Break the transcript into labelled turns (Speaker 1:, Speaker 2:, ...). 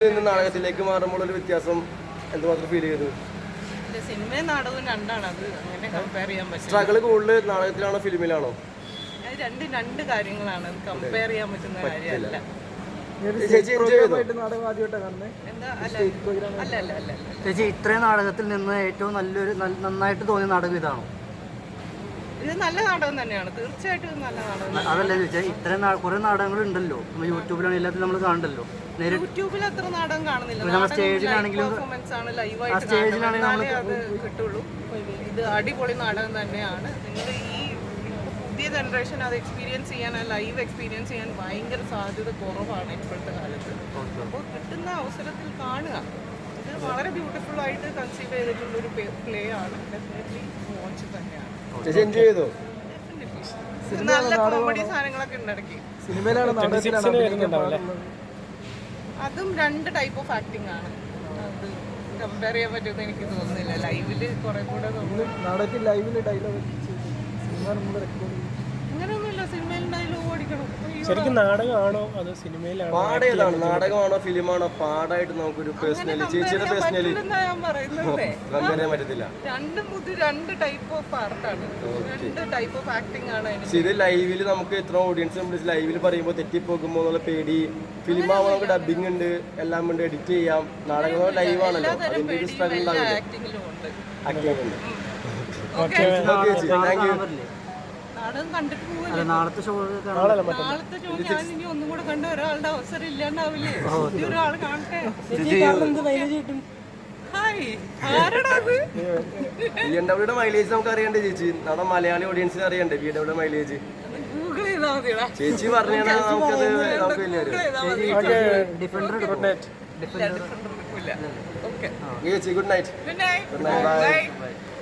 Speaker 1: നാടകത്തിലേക്ക് മാറുമ്പോൾ ഒരു വ്യത്യാസം എന്തുമാത്രം ഫീൽ ചെയ്തു?
Speaker 2: സിനിമയും നാടകവും രണ്ടാണ്, അത് അങ്ങനെ കമ്പയർ ചെയ്യാൻ പറ്റും.
Speaker 1: സ്ട്രഗിൾ കൂടുതൽ നാടകത്തിലാണോ ഫിലിമിലാണോ?
Speaker 2: അത് രണ്ട് കാര്യങ്ങളാണ്, അത് കമ്പയർ ചെയ്യാൻ പറ്റുന്ന കാര്യമല്ല.
Speaker 1: ചേച്ചി
Speaker 3: ചേച്ചി ഇത്രയും നാടകത്തിൽ നിന്ന് ഏറ്റവും നന്നായിട്ട് തോന്നിയ നാടകം ഇതാണോ?
Speaker 2: ഇത് നല്ല നാടകം തന്നെയാണ്, തീർച്ചയായിട്ടും ഇത് നല്ല നാടകം.
Speaker 3: അതല്ല ചോദിച്ചാൽ ഇത്രയും കുറെ നാടകങ്ങൾ ഉണ്ടല്ലോ, കുറെ എല്ലാത്തിലും നമ്മൾ കാണണ്ടല്ലോ.
Speaker 2: യൂട്യൂബിൽ അത്ര നാടകം കാണുന്നില്ല, പെർഫോമൻസ് ആണ്, ലൈവായിട്ട് അത് കിട്ടുള്ളൂ. ഇത് അടിപൊളി നാടകം തന്നെയാണ്. നിങ്ങൾ ഈ പുതിയ ജനറേഷൻ അത് എക്സ്പീരിയൻസ് ചെയ്യാൻ, ലൈവ് എക്സ്പീരിയൻസ് ചെയ്യാൻ ഭയങ്കര സാധ്യത കുറവാണ് ഇപ്പോഴത്തെ കാലത്ത്. അപ്പോൾ കിട്ടുന്ന അവസരത്തിൽ കാണുക. ഇത് വളരെ ബ്യൂട്ടിഫുൾ ആയിട്ട് കൺസീവ് ചെയ്തിട്ടുള്ളൊരു പ്ലേ ആണ്. ഡെഫിനറ്റ്ലി വാച്ച് തന്നെയാണ്. നല്ല കോമഡി സാധനങ്ങളൊക്കെ ഉണ്ട് ഇടയ്ക്ക്. അതും രണ്ട് ടൈപ്പ് ഓഫ് ആക്ടിങ് ആണ്, അത് കമ്പയർ ചെയ്യാൻ പറ്റുമെന്ന് എനിക്ക് തോന്നുന്നില്ല. ലൈവില് കുറെ കൂടെ അങ്ങനെയൊന്നുമില്ല, സിനിമയിൽ ഡയലോഗ് ഓടിക്കണം.
Speaker 4: ശരിക്കും നാടകമാണോ അതോ സിനിമയിലാണോ?
Speaker 1: പാടേതാണ്, നാടകമാണോ ഫിലിമാണോ? പാടായിട്ട് നമുക്കൊരു പേഴ്സണലി ചേച്ചിയുടെ പേഴ്സണലി കമ്പയർ ചെയ്യാൻ പറ്റത്തില്ല.
Speaker 2: രണ്ട് ടൈപ്പ് ഓഫ് ആർട്ടാണ്, രണ്ട് ടൈപ്പ് ഓഫ് ആക്ടിങ് ആണ്.
Speaker 1: ഇത് ലൈവില് നമുക്ക് എത്ര ഓഡിയൻസ് ലൈവില് പറയുമ്പോൾ തെറ്റിപ്പോകുമ്പോ എന്നുള്ള പേടി. ഫിലിമാകുമ്പോൾ നമുക്ക് ഡബിങ് ഉണ്ട്, എല്ലാം ഉണ്ട്, എഡിറ്റ് ചെയ്യാം. നാടകം ലൈവ് ആണല്ലോ, അതിന്റെ ഒരു സ്ട്രഗിൾ ഉണ്ടാവില്ല. ആക്ടിങ് ഉണ്ട്. Thank you.
Speaker 2: നാടകം കണ്ടിട്ട് പോവല്ലേ?
Speaker 3: നാളത്തെ ഷോ
Speaker 2: ഞാൻ ഇനി ഒന്നും കൂടെ കണ്ട ഒരാളുടെ അവസരം ഇല്ലാണ്ടാവില്ലേ? ഒരാൾ കാണട്ടെ.
Speaker 1: BMW മൈലേജ് നമുക്ക് അറിയണ്ടേ ചേച്ചി? നമ്മുടെ മലയാളി ഓഡിയൻസിന് അറിയണ്ടേ BMW മൈലേജ്?
Speaker 2: ഗൂഗിൾ ചെയ്താൽ മതിടാ.
Speaker 1: ചേച്ചി പറഞ്ഞാൽ നമുക്കത് നമുക്ക് വലിയ
Speaker 2: ഗുഡ് നൈറ്റ്.
Speaker 1: ചേച്ചി ഗുഡ് നൈറ്റ്.
Speaker 2: ബൈ.